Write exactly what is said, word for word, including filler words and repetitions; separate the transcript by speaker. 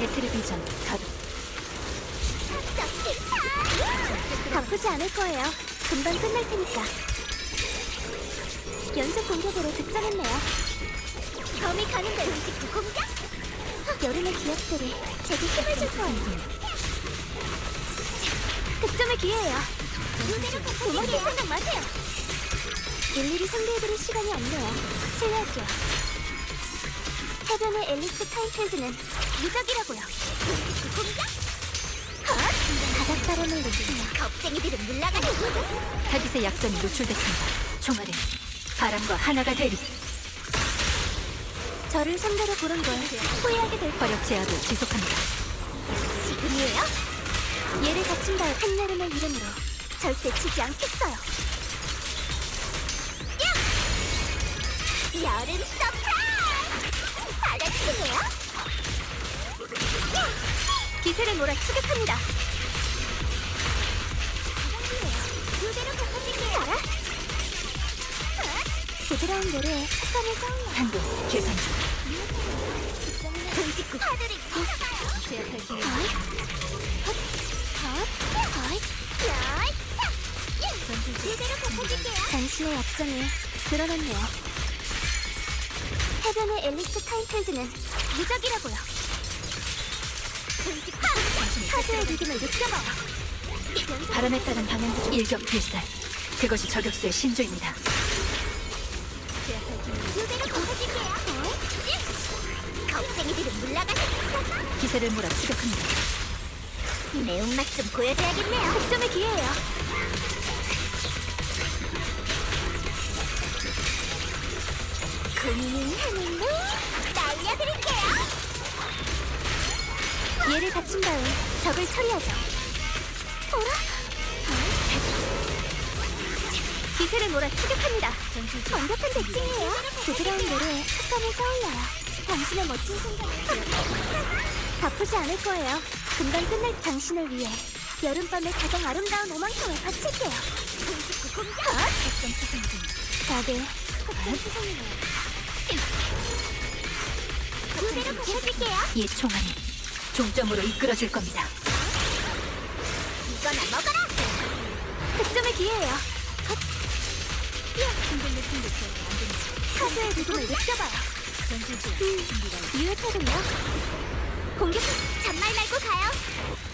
Speaker 1: 배틀의 비전 가동.
Speaker 2: 바쁘지 않을 거예요. 금방 끝날 테니까. 연속 공격으로 득점했네요. 범이 가는데 움직이고 공격? 여름의 기억들이 제게 힘을 줄 거예요. 득점의 기회예요. 도망칠 생각 마세요. 일일이 상대해드릴 시간이 없네요. 실례할게요. 해변의 앨리스 카인필드는 무적이라고요. 공격? 바닷바람을 느끼며 겁쟁이들은 물러가는.
Speaker 1: 타깃의 약점이 노출됐습니다. 총알은 바람과 하나가 되리.
Speaker 2: 저를 상대로 고른 걸 후회하게 될 거예요.
Speaker 1: 화력 제압을 지속합니다.
Speaker 2: 지금이에요? 얘를 갖춘 다음 한여름의 이름으로 절대 치지 않겠어요. 야! 여름 서프라이즈! 알아주시네요? 야! 기세를 몰아 추격합니다. 무대로 덮어줄게요. 알아? 부드러운 노래에 촉감을 쌓으려.
Speaker 1: 한도 계산 중.
Speaker 2: 등짓구 파들이 굴러가요.
Speaker 1: 제압할 기회.
Speaker 2: 어이? 헛, 헛, 어이, 야이, 야! 예! 무대로 덮어줄게요. 당신의 약점이 드러났네요. 해변의 앨리스 카인필드는 무적이라고요. 등짓구 파도의 리듬을 느껴봐요.
Speaker 1: 바람에 따른 방향 조절. 일격 필살. 그것이 저격수의 신조입니다.
Speaker 2: 무대로 덮어줄게요. 어이? 예! 겁쟁이들은 물러가는.
Speaker 1: 기세를 몰아 추격합니다.
Speaker 2: 매운맛 좀 보여줘야겠네요. 득점의 기회예요. 고민은 하늘로 날려드릴게요. 얘를 갖춘 다음 적을 처리하죠. 어라? 기세를 몰아 추격합니다. 완벽한 대칭이에요. 부드러운 노래에 촉감을 떠올려요. 당신의 멋진 순간을 바쁘지 않을 거예요. 금방 끝날 당신을 위해 여름밤의 가장 아름다운 오만큼을 바칠게요. 공격! 다들 확정 수송이네요. 무대로 보여줄게요.
Speaker 1: 이 총알이 종점으로 이끌어줄 겁니다.
Speaker 2: 이거나 먹어라! 득점의 기회예요. 헛! 야! 카드의 리듬을 느껴봐요. 음, 유효하군요. 공격! 잔말 말고 가요.